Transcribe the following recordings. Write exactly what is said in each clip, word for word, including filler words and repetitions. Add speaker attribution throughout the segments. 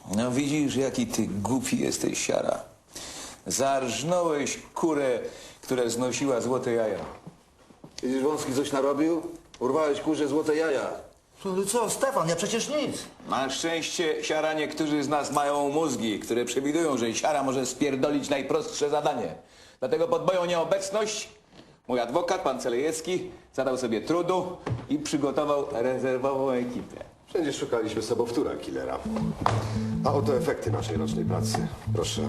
Speaker 1: No widzisz, jaki ty głupi jesteś, siara. Zarżnąłeś kurę, która znosiła złote jaja.
Speaker 2: Widzisz, Wąski coś narobił? Urwałeś kurze złote jaja.
Speaker 3: No co, Stefan, ja przecież nic.
Speaker 1: Na szczęście, siara, niektórzy z nas mają mózgi, które przewidują, że siara może spierdolić najprostsze zadanie. Dlatego pod moją nieobecność mój adwokat, pan Celejewski, zadał sobie trudu i przygotował rezerwową ekipę.
Speaker 4: Wszędzie szukaliśmy sobowtóra killera. A oto efekty naszej rocznej pracy. Proszę.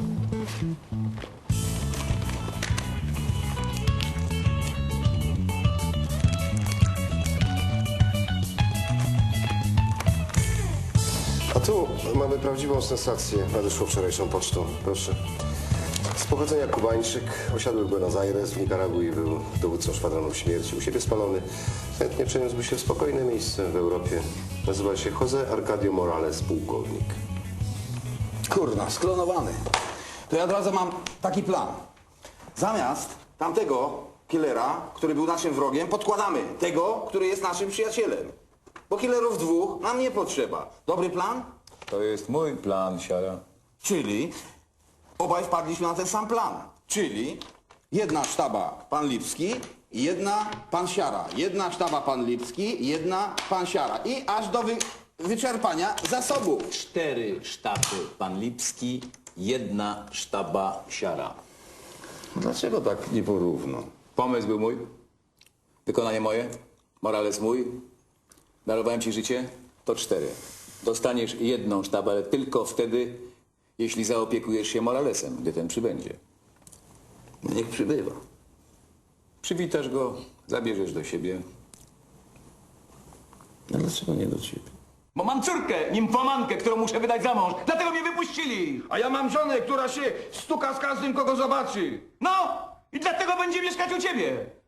Speaker 4: A tu mamy prawdziwą sensację. Nadeszło wczorajszą pocztą. Proszę. Z pochodzenia Kubańczyk, osiadły w Buenos Aires, w Nikaragui, był dowódcą szwadronu śmierci, u siebie spalony. Chętnie przeniósłby się w spokojne miejsce w Europie. Nazywa się José Arcadio Morales, pułkownik.
Speaker 2: Kurna, sklonowany. To ja od razu mam taki plan. Zamiast tamtego killera, który był naszym wrogiem, podkładamy tego, który jest naszym przyjacielem. Bo killerów dwóch nam nie potrzeba. Dobry plan?
Speaker 1: To jest mój plan, siara.
Speaker 2: Czyli obaj wpadliśmy na ten sam plan. Czyli jedna sztaba pan Lipski i jedna pan Siara. Jedna sztaba pan Lipski, jedna pan Siara. I aż do wy wyczerpania zasobów.
Speaker 1: Cztery sztaby pan Lipski, jedna sztaba siara.
Speaker 2: Dlaczego tak nie porówno?
Speaker 1: Pomysł był mój, wykonanie moje, Morales mój. Darowałem ci życie, to cztery. Dostaniesz jedną sztabę, ale tylko wtedy, jeśli zaopiekujesz się Moralesem, gdy ten przybędzie.
Speaker 2: No niech przybywa.
Speaker 1: Przywitasz go, zabierzesz do siebie.
Speaker 2: No dlaczego nie do ciebie?
Speaker 1: Bo mam córkę, nimfomankę, którą muszę wydać za mąż. Dlatego mnie wypuścili.
Speaker 5: A ja mam żonę, która się stuka z każdym, kogo zobaczy.
Speaker 1: No i dlatego będzie mieszkać u ciebie.